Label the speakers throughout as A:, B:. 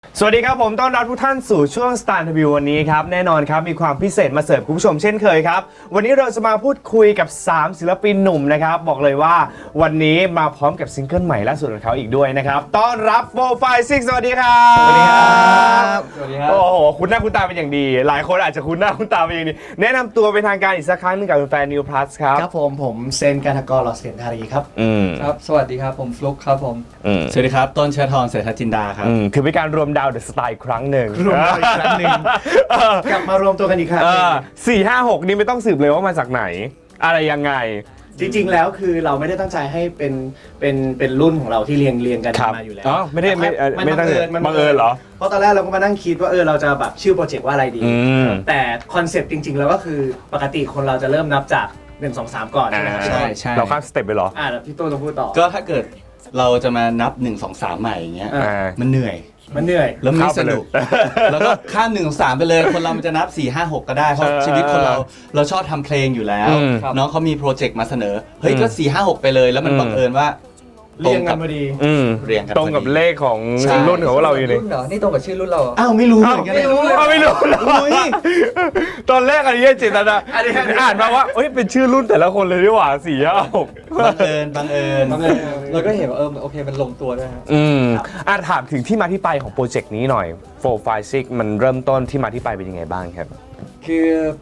A: สวัสดีครับผมต้อนรับทุกท่านสู่ช่วง Star Interview วันนี้ครับแน่นอนครับมีความพิเศษมาเสิร์ฟคุณผู้ชมเช่นเคยครับวันนี้เราจะมาพูดคุยกับ3ศิลปินหนุ่มนะครับบอกเลยว่าวันนี้มาพร้อมกับซิงเกิลใหม่ล่าสุดของเขาอีกด้วยนะครับต้อนรับ456สวัสดีครับสวัสดีครับ
B: สวัสดีครับ
A: โอ้โหคุณหน้าคุณตาเป็นอย่างดีหลายคนอาจจะคุ้นหน้าคุ้นตาเป็นอย่างดีแนะนำตัวเป็นทางการอีกสักครั้งหนึงกับแฟน New Plus ครับ
C: ครับผมเซนการทกรหล่อเสียงธารีครับ
B: ครับ สวัสดีครับ ผมฟลุ๊กครับผม
D: สวัสดีครับ ต้นเชื้อทองเศรษฐจินดาครับ
A: คือเป็นการรวมดาวเดอะสไตล์อีกครั้งหนึ่ง
C: รวมดาวอีกครั้งหนึ่ง กลับมารวมตัวกันอีกครั้งหนึ่ง
A: 4-5-6 นี่ไม่ต้องสืบเลยว่ามาจากไหน อะไรยังไง
C: จริงๆแล้วคือเราไม่ได้ตั้งใจให้เป็นรุ่นของเราที่เรียงกัน
A: ครับ
C: มาอยู่แล้ว
A: อ๋อไม่ได้ไม่
C: มัน
A: ไม่ตั้งใจ
C: มัน
A: บังเอิญเหรอ
C: เพราะตอนแรกเราก็มานั่งคิดว่าเราจะแบบชื่อโปรเจกต์ว่าอะไรดี แต่คอนเซปต์จริงๆแล้วก็คือปกติคนเราจะเริ่มนับจาก1 2 3ก่อนใช่ไหมครับ
D: ใช่
A: เราข้ามสเต็ปไปเหรอ
C: แล้วพี่โต้ต้องพูดต่อ
D: ก็ถ้าเกิดเราจะมานับ 1 2 3 ใหม่อย่างเงี้ย
C: อ่า
D: มันเหนื่อย
C: มันเหนื่อย
D: แล้วไม่
A: เข้าไป
D: สนุก
A: เลย
D: แล้วก็ข้าม1 2 3 ไปเลย คนเรามันจะนับ 4 5 6 ก็ได้ เพราะชีวิตคนเราชอบทำเพลงอยู่แล้ว
B: ครับ
D: น้องเขามีโปรเจกต์มาเสนอ เฮ้ย ก็ 4 5 6 ไปเลย แล้วมันบังเอิญว่า
C: เรียงกันพอดี
D: เรียงกัน
A: ตรงกับ
D: พอดี
A: เลขของ
D: ใช่
A: รุ่นของเราอยู่นี่
B: รุ่นเหรอ นี่ตรงกับชื่อรุ่นเราเหรอ
D: อ้าวไม่รู้เหมือนกัน
A: ไม่รู้เลยไม่รู้เลยตอนแรกอันนี้เจตนาอ่านมาว่าเอ้ยเป็นชื่อรุ่นแต่ละคนเลยดีกว่า4-5-6
D: บังเอิญบังเอิญ
B: เราก็เห็นว่าโอเค มันลงตัวด้วยครับ
A: ถามถึงที่มาที่ไปของโปรเจกต์นี้หน่อย456มันเริ่มต้นที่มาที่ไปเป็นยังไงบ้างครับ
B: คือ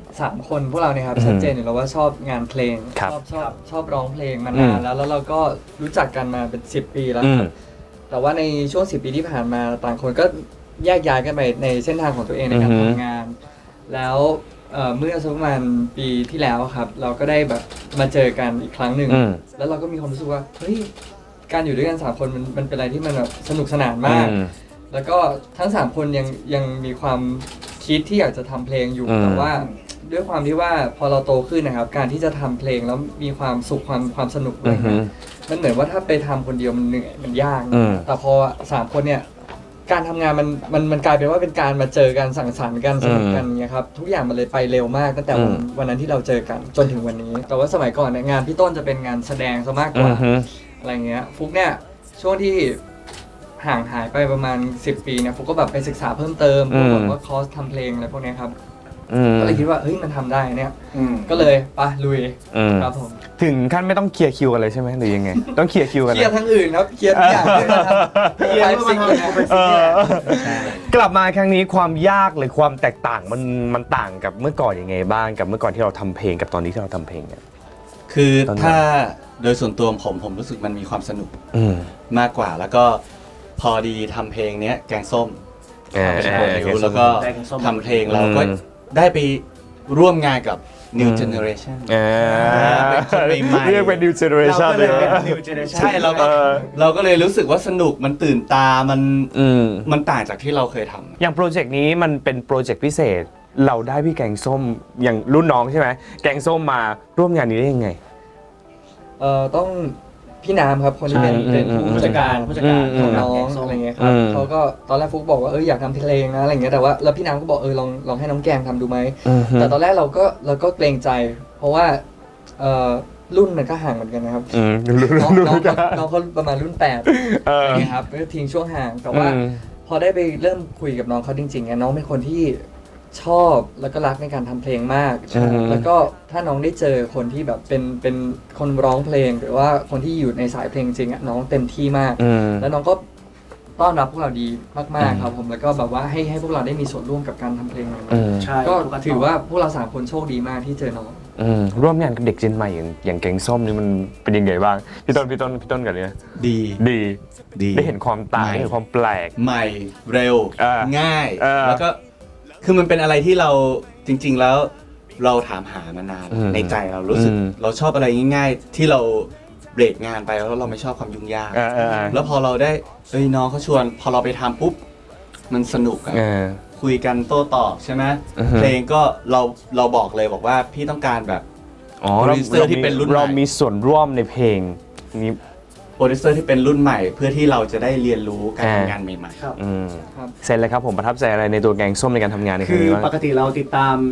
B: 3 คนพวกเราเนี่ยครับชัดเจนอยู่แล้วว่าชอบงานเพลง
A: ครับ
B: ชอบร้องเพลงมานานแล้วเราก็รู้จักกันมาเป็น10 ปีแล้วครับแต่ว่าในช่วง10 ปีที่ผ่านมาต่างคนก็แยกย้ายกันไปในเส้นทางของตัวเองในการทำงาน แล้วเมื่อสักประมาณปีที่แล้วครับเราก็ได้แบบมาเจอกันอีกครั้งหนึ่งแล้วเราก็มีความรู้สึกว่าเฮ้ยการอยู่ด้วยกัน3 คนมันเป็นอะไรที่มันแบบสนุกสนานมาก แล้วก็ทั้ง3 คนยังมีความคิดที่อยากจะทำเพลงอยู่แต่ว่าด้วยความที่ว่าพอเราโตขึ้นนะครับการที่จะทำเพลงแล้วมีความสุขความสนุกอะไรเงี้ยมันเหมือนว่าถ้าไปทำคนเดียวมันเหนื่อยมันยากแต่พอ3 คนเนี่ยการทำงานมันกลายเป็นว่าเป็นการมาเจอกันสังสรรค์กันสนุกกันเนี่ยครับทุกอย่างมันเลยไปเร็วมากตั้งแต่วันนั้นที่เราเจอกันจนถึงวันนี้ แต่ว่าสมัยก่อนเนี่ยงานพี่ต้นจะเป็นงานแสดงซะมากกว่าอะไรเงี้ยฟุกเนี่ยช่วงที่ห่างหายไปประมาณ10 ปีเนี่ยฟุกก็แบบไปศึกษาเพิ่มเติมพวกแบบว่าคอร์สทำเพลงอะไรพวกเนี้ยครับก็เลยคิดว่าเฮ้ยมันทำได้เนี่ยก็เลยไปลุยครับผม
A: ถึงขั้นไม่ต้องเคลียร์คิวกันเลยใช่ไหมหรือยังไง ต้องเคลียร์คิวกัน
B: เคลียร์ทั้งอื่นครับเคลียร์ทุกอย่างเพื่อมาทำเคลียร์ซิงเลยนะ
A: กลับมาครั้งนี้ความยากหรือความแตกต่างมันต่างกับเมื่อก่อนยังไงบ้างกับเมื่อก่อนที่เราทำเพลงกับตอนนี้ที่เราทำเพลงเนี่ย
D: คือถ้าโดยส่วนตัวผมรู้สึกมันมีความสนุกมากกว่าแล้วก็พอดีทำเพลงเนี้ยแกงส้มเป็นโปรดิวแล้วก็ทำเพลงเราก็ได้ไปร่วมงานกับ New Generation เป็นคนใหม่ๆ
A: เรียกเป็น New Generation เลย
C: New Generation
D: ใช่เราก็เลยรู้สึกว่าสนุกมันตื่นตามันต่างจากที่เราเคยทำ
A: อย่างโปรเจกต์นี้มันเป็นโปรเจกต์พิเศษเราได้พี่แกงส้มอย่างรุ่นน้องใช่ไหมแกงส้มมาร่วมงานนี้ได้ยังไง
B: ต้องพี่น้ำครับคนที่เป็นผู้จัดการของน้องอะไรเงี้ยครับเขาก็ตอนแรกฟุกบอกว่าอยากทำเพลงนะอะไรเงี้ยแต่ว่าแล้วพี่น้ำก็บอกลองให้น้องแกงทำดูไหมแต่ตอนแรกเราก็เกรงใจ เพราะว่ารุ่นมันก็ห่างเหมือนกันนะครับน้องเขาประมาณรุ่น8นะครับก็ทิ้งช่วงห่างแต่ว่าพอได้ไปเริ่มคุยกับน้องเขาจริงๆน้องเป็นคนที่ชอบแล้วก็รักในการทำเพลงมากแล้วก็ถ้าน้องได้เจอคนที่แบบเป็นคนร้องเพลงหรือว่าคนที่อยู่ในสายเพลงจริงน้องเต็มที่มากแล้วน้องก็ต้อนรับพวกเราดีมากๆครับผมแล้วก็แบบว่าให้พวกเราได้มีส่วนร่วมกับการทำเพลงก็ถือว่าพวกเรา3 คนโชคดีมากที่เจอน้อง
A: ร่วมงานกับเด็กเจนใหม่อย่างแกงส้มนี่มันเป็นยังไงบ้างพี่ต้นกันเลยนะดีได้เห็นความต่างได้เห็นความแปลก
D: ใหม่เร็วง่ายแล้วก็คือมันเป็นอะไรที่เราจริงๆแล้วเราถามหามานานในใจเรารู้สึกเราชอบอะไรง่ายๆที่เราเบรกงานไปแล้วเราไม่ชอบความยุ่งยากแล้วพอเราได้น้องเขาชวนพอเราไปทำปุ๊บมันสนุกอะคุยกันโต้ตอบใช่ไหมเพลงก็เราบอกเลยบอกว่าพี่ต้องการแบบโปรดิวเซอร์ที่เป็นรุ่นใหม่
A: เรามีส่วนร่วมในเพลงนี้
D: โปรดิวเซอร์ที่เป็นรุ่นใหม่เพื่อที่เราจะได้เรียนรู้การทำงานใหม่ๆ
A: เซนเลยครับผมประทับใจอะไรในตัวแกงส้มในการทำงานในครั้งนี้บ้าง
C: คือปกติเราติดตาม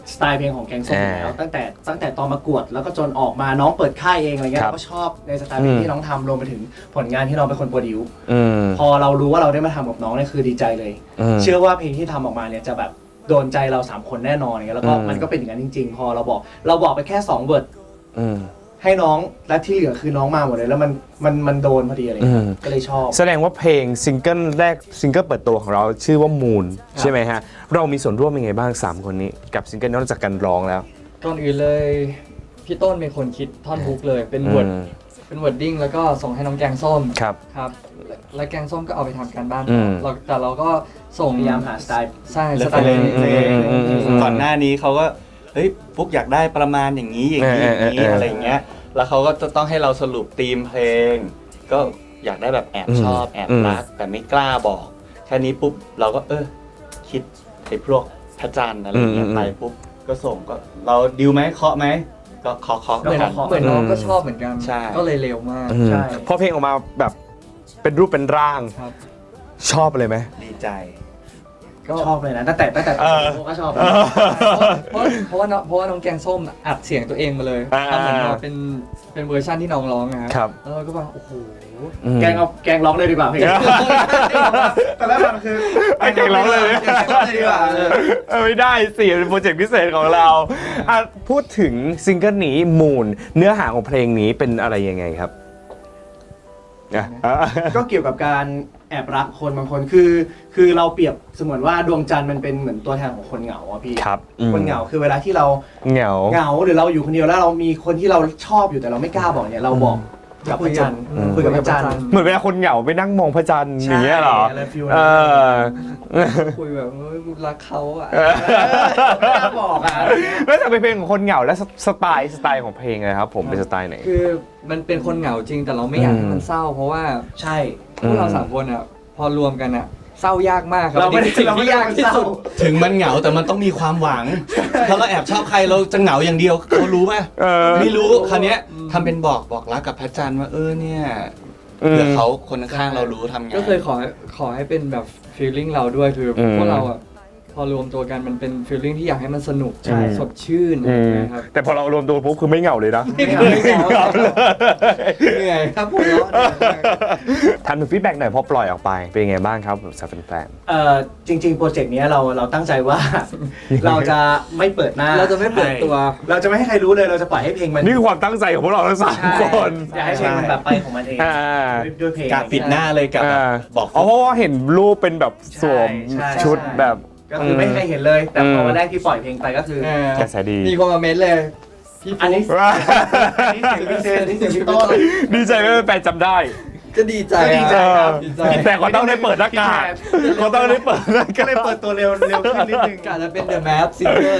C: สไตล์เพลงของแกงส้มอยู่แล้วตั้งแต่ตอนประกวดแล้วก็จนออกมาน้องเปิดค่ายเองอะไรเงี้ยเราก็ชอบในสไตล์เพลงที่น้องทำรวมไปถึงผลงานที่น้องเป็นคนโปรดิวซ์พอเรารู้ว่าเราได้มาทำกับน้องเนี่ยคือดีใจเลยเชื่อว่าเพลงที่ทำออกมาเนี่ยจะแบบโดนใจเรา3คนแน่นอนแล้วก็มันก็เป็นอย่างนั้นจริงๆพอเราบอกไปแค่2เวิร์ดให้น้องและที่เหลือคือน้องมาหมดเลยแล้วมันโดนพอดีอะไรก็เลยชอบ
A: แสดงว่าเพลงซิงเกิลแรกซิงเกิลเปิดตัวของเราชื่อว่ามูนใช่ไหมฮะเรามีส่วนร่วมยังไงบ้าง3คนนี้กับซิงเกิลนอกจากการร้องแล้ว
B: ก่อนอื่นเลยพี่ต้นเป็นคนคิดท่อนฮุกเลยเป็นเวิร์ดดิ้งแล้วก็ส่งให้น้องแกงส้มครับและแกงส้มก็เอาไปทำการบ้านแต่เราก็ส่ง
C: พยายามหาสไตล์
B: ใช่สไตล์
D: ก่อนหน้านี้เขาก็เฮ้ยฟุกอยากได้ประมาณอย่างนี้อะไรอย่างเงี้ยแล้วเขาก็จะต้องให้เราสรุปธีมเพลงก็อยากได้แบบแอบชอบแอบรักแต่ไม่กล้าบอกแค่นี้ปุ๊บเราก็คิดไอ้พวกพระจันทร์อะไรอย่างเงี้ยไปปุ๊บก็ส่งก็เราดิวไหมเคาะไหมก็เคาะ
B: เหมือนน้องก็ชอบเหมือนกันก็เลยเร็วมาก
A: ใช่พอเพลงออกมาแบบเป็นรูปเป็นร่างชอบเลยไหม
D: ดีใจ
C: ชอบเลยนะตั้งแต่ก็ชอบ
B: เพราะว่าน้องแกงส้มอัดเสียงตัวเองมาเลยทำเหมือนมาเป็นเวอร์ชันที่น้องร้องนะครับแล้วเราก็ว่าโอ้โห
C: แกงร้องเลยดีกว่าเพลงแต่แล้วมันคือ
A: แกงร้องเลย
C: ดีกว่า
A: ไม่ได้สิเป็นโปรเจกต์พิเศษของเราพูดถึงซิงเกิลนี้มูนเนื้อหาของเพลงนี้เป็นอะไรยังไงครับ
C: ก็เกี่ยวกับการแอบรักคนบางคนคือเราเปรียบเสมือนว่าดวงจันทร์มันเป็นเหมือนตัวแทนของคนเหงาอะพี่คนเหงาคือเวลาที่เราเหงาหรือเราอยู่คนเดียวแล้วเรามีคนที่เราชอบอยู่แต่เราไม่กล้าบอกเนี่ยเราบอกกับพระจันทร์คุยกับพระจันทร์
A: เหมือนเวลาคนเหงาไปนั่งมองพระจันทร์อย่างเงี้ยเหรอ
B: คุยแบบรักเขาอ่ะ
C: ไม่กล้าบอกอ่ะ
A: แล้วจะเป็นเพลงของคนเหงาและสไตล์ของเพลงเลยครับผมเป็นสไตล์ไหน
B: คือมันเป็นคนเหงาจริงแต่เราไม่อยากให้มันเศร้าเพราะว่า
C: ใช่
B: พวกเรา3คนอ่ะพอรวมกันอ่ะเศร้ายากมากครับเราไม่ได้สิ่งที่ยากที่สุด
D: ถึงมันเหงาแต่มันต้องมีความหวังถ้าเราแอบชอบใครเราจะเหงาอย่างเดียวเขารู้ไหมไม่รู้คราวนี้ทำเป็นบอกรักกับพระจันทร์ว่าเนี่ยเผื่อเขาคนข้างเรารู้ทำไง
B: ก็เคยขอให้เป็นแบบฟีลลิ่งเราด้วยคือพวกเราอ่ะพอรวมตัวกันมันเป็นฟีลลิ่งที่อยากให้มันสนุกสดชื่นนะครับ
A: แต่พอเรารวมตัวปุ๊บคือไม่เหงาเลยนะ
B: ไม่เหงาเลยเหนื่อยครับผม
A: ทันถึงฟีดแบ็กหน่อยพอปล่อยออกไปเป็นยังไงบ้างครับสำหรับแฟน
C: จริงๆโปรเจกต์นี้เราตั้งใจว่าเราจะไม่เปิดหน้า
B: เราจะไม่เปิดตัว
C: เราจะไม่ให้ใครรู้เลยเราจะปล่อยให้เพลงมัน
A: นี่คือความตั้งใจของพวกเราทั้ง3คน
C: อยากให้เพลงมันแบบไปของมันเองด้วยเพลง
D: กะปิดหน้าเลยกับบอก
A: เพราะว่าเห็นรูปเป็นแบบสวมชุดแบบ
C: ก็คือไม่เคยเห็นเลยแต่พอวันแรกที่ปล่อยเพลงไปก็คือก
A: ระแสดี
B: มีคนมาเม้นเลยพี่
C: อันนี้เสียงพี่เซนนี่เสียงพี่ต้น
A: ดีใจไม่เป็นแฟนจำได้
B: ก็ดีใจ
A: ครับแต่ก็ต้องได้เปิดหน้ากากก็ต้องได้เปิด
C: ก็เลยเปิดตัวเร็วขึ้นนิดนึง
B: กะจะเป็น The Map Singer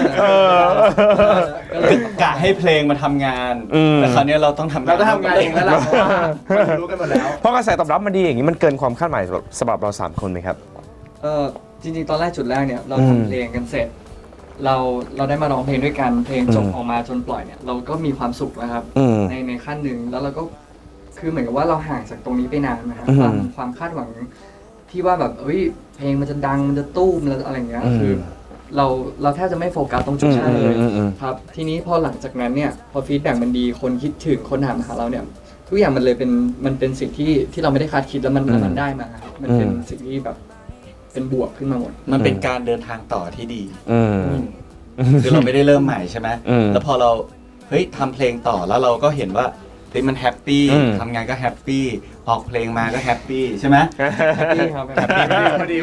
D: กะให้เพลงมาทำงานแต่คราวนี้เราต้องทำงาน
C: เองแล้วล่ะรู้กันหมดแล้ว
A: เพราะกระแสตอบรับมันดีอย่างนี้มันเกินความคาดหมายสำหรับเรา3คนไหมครับ
B: จริงๆตอนแรกจุดแรกเนี่ยเราทำเพลงกันเสร็จเราได้มาร้องเพลงด้วยกันเพลงจบออกมาจนปล่อยเนี่ยเราก็มีความสุขนะครับในขั้นหนึ่งแล้วเราก็คือเหมือนกับว่าเราห่างจากตรงนี้ไปนานนะครับความคาดหวังที่ว่าแบบเพลงมันจะดังมันจะตู้มอะไรอย่างเงี้ยคือเราแทบจะไม่โฟกัสตรงจุดนั้นเลยครับทีนี้พอหลังจากนั้นเนี่ยพอฟีดแบ็กมันดีคนคิดถึงคนถามหาเราเนี่ยทุกอย่างมันเลยเป็นสิ่งที่เราไม่ได้คาดคิดแล้วมันได้มามันเป็นสิ่งที่แบบเป็นบวกขึ้นมาหมด
D: มันเป็นการเดินทางต่อที่ดีคือเราไม่ได้เริ่มใหม่ใช่ไหมแล้วพอเราทำเพลงต่อแล้วเราก็เห็นว่ามันแฮปปี้ทำงานก็แฮปปี้ออกเพลงมาก็แฮปปี้ใช่ไหม
B: แฮปปี้ครับ
C: พอดี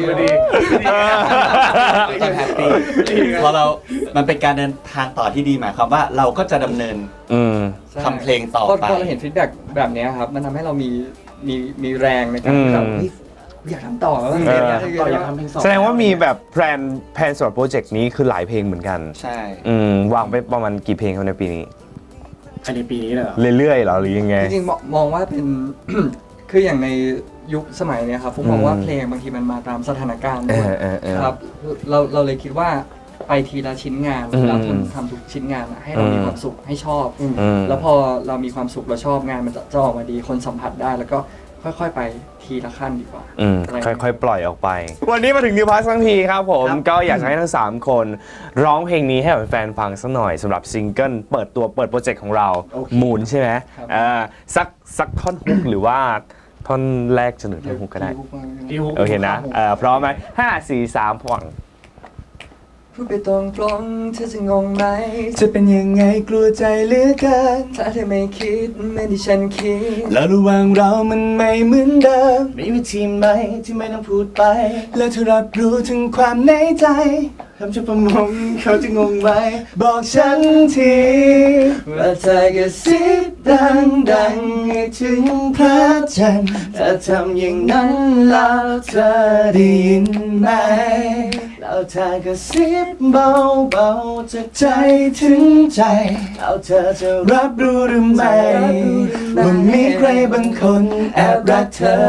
D: ต้องแฮปปี้พอมันเป็นการเดินทางต่อที่ดีหมายความว่าเราก็จะดำเนินทำเพลงต่อไป
B: พอเราเห็นฟีดแบ็กแบบนี้ครับมันทำให้เรามีแรงในการที่แบบอยากทำต่อแล้ว
C: อยากทำเพลง
A: แสดงว่ามีแบบแพลนสำหรับโปรเจกต์นี้คือหลายเพลงเหมือนกัน
D: ใช่
A: วางไปประมาณกี่เพลงในปีนี้
C: ในปีนี้เลย
A: เรื่อยๆเหรอหรือยังไง
B: จริงๆมองว่าเป็น คืออย่างในยุคสมัยเนี้ยครับผมมองว่าเพลงบางทีมันมาตามสถานการณ์ด้วยครับเราเลยคิดว่าไปทีละชิ้นงานเราทำทุกชิ้นงานให้เรามีความสุขให้ชอบแล้วพอเรามีความสุขเราชอบงานมันจะออกมาดีคนสัมผัสได้แล้วก็ค่อยๆไปทีละขั้นดีกว่า
A: ค่อยๆ ปล่อยออกไป วันนี้มาถึงนิวพาสทั้งทีครับผม
C: ครับ
A: ก็อยากจะให้ทั้ง 3 คนร้องเพลงนี้ให้กับแฟนฟังสักหน่อยสำหรับซิงเกิลเปิดโปรเจกต์ของเรา มูนใช่ไหมสักท่อนฮุกหรือว่าท่อนแรกจนถึงท่อนฮุกก็ได้
C: พี่ฮุก
A: โอเคนะพร้อมไหม5 4 3ผ่อน
B: พูดไปตรงๆเธอจะงงไหม
D: จะเป็นยังไงกลัวใจเหลือเกิน
B: ถ้าเธอไม่คิดเหมือนที่ฉันคิด
D: แล้วระหว่างเรามันไม่เหมือนเดิม
C: มีวิธีไหมที่ไม่ต้องพูดไป
D: แล้วเธอรับรู้ถึงความในใจ
C: ทำชุดประมงเขาจะงงไหม
D: บอกฉันที
C: ว่าเธอกระซิบดังๆให้ถึงพระจันทร์ถ้าทำอย่างนั้นแล้วเธอได้ยินไหมแล้วเธอกระซิบเบาๆจากใจถึงใจแล้วเธอจะรับรู้หรือไม่ว่ามีใครบางคนแอบรักเธอ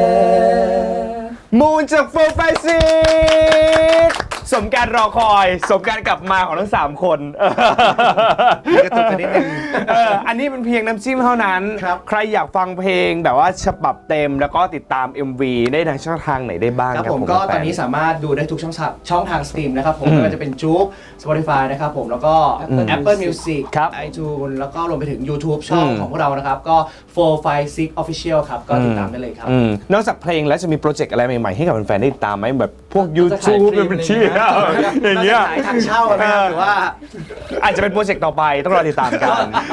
A: มูนจากโฟร์ไฟซิกสมการรอคอยสมการกลับมาของทั้ง 3 คนกระตุกกันนิดนึงอันนี้เป็นเพียงน้ำจิ้มเท่านั้น
C: ครับ
A: ใครอยากฟังเพลงแบบว่าฉบับเต็มแล้วก็ติดตาม MV ได้ทางช่องทางไหนได้บ้าง
C: ครับ
A: ครับ
C: ผมก็ตอนนี้สามารถดูได้ทุกช่องทางสตรีมนะครับผมไม่ว่าจะเป็นจุ๊ก Spotify นะครับผมแล้วก็ Apple Music
A: ครับ
C: iTunes แล้วก็รวมไปถึง YouTube ช่องของพวกเรานะครับก็ 456 Official ครับก็ติดตามได้เลยครับ
A: นอกจากเพลงแล้วจะมีโปรเจกต์อะไรใหม่ๆให้กับแฟนๆได้ติดตามไหมแบบพวก
B: เราจะขาย
A: YouTube
B: ครีม
A: เป็นที่อย่างเงี้ย
C: ขายทางเช่าไหมครับหรือว่า
A: อาจจะเป็นโปรเจกต์ต่อไปต้องรอติดตามกัน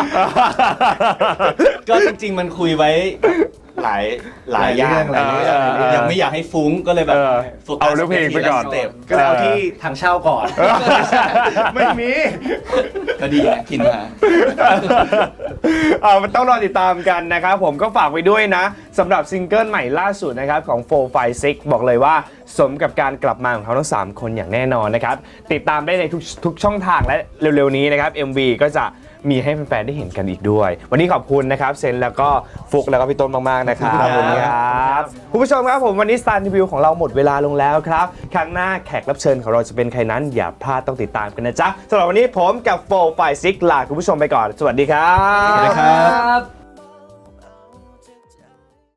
D: ก็จริงๆมันคุยไว้หลายอย่าง
C: หลายเรื่อง
D: ยังไม่อยากให้ฟุ้งก็เลยแบบโฟกัส
A: เอาเรื่องเพลงไปก่อน
D: สเต็ป
C: ก็เลยเอาที่ทางเช่าก่อน
A: ไม่มี
D: ก็ดีนะคินมา
A: มันต้องรอติดตามกันนะครับผมก็ฝากไว้ด้วยนะสำหรับซิงเกิลใหม่ล่าสุดนะครับของ 456 บอกเลยว่าสมกับการกลับมาของเขาทั้ง 3 คนอย่างแน่นอนนะครับติดตามได้ในทุกช่องทางและเร็วๆนี้นะครับ MV ก็จะมีให้แฟนๆได้เห็นกันอีกด้วย วันนี้ขอบคุณนะครับเซนแล้วก็ฟุกแล้วก็พี่ต้นมากๆนะครับ
C: ขอบคุณครับ
A: ครับคุณผู้ชมครับผมวันนี้ Star Review ของเราหมดเวลาลงแล้วครับครั้งหน้าแขกรับเชิญของเราจะเป็นใครนั้นอย่าพลาดต้องติดตามกันนะจ๊ะสำหรับวันนี้ผมกับ456ลาคุณผู้ชมไปก่อนสวัสดีครับ
D: สวัสดีครับ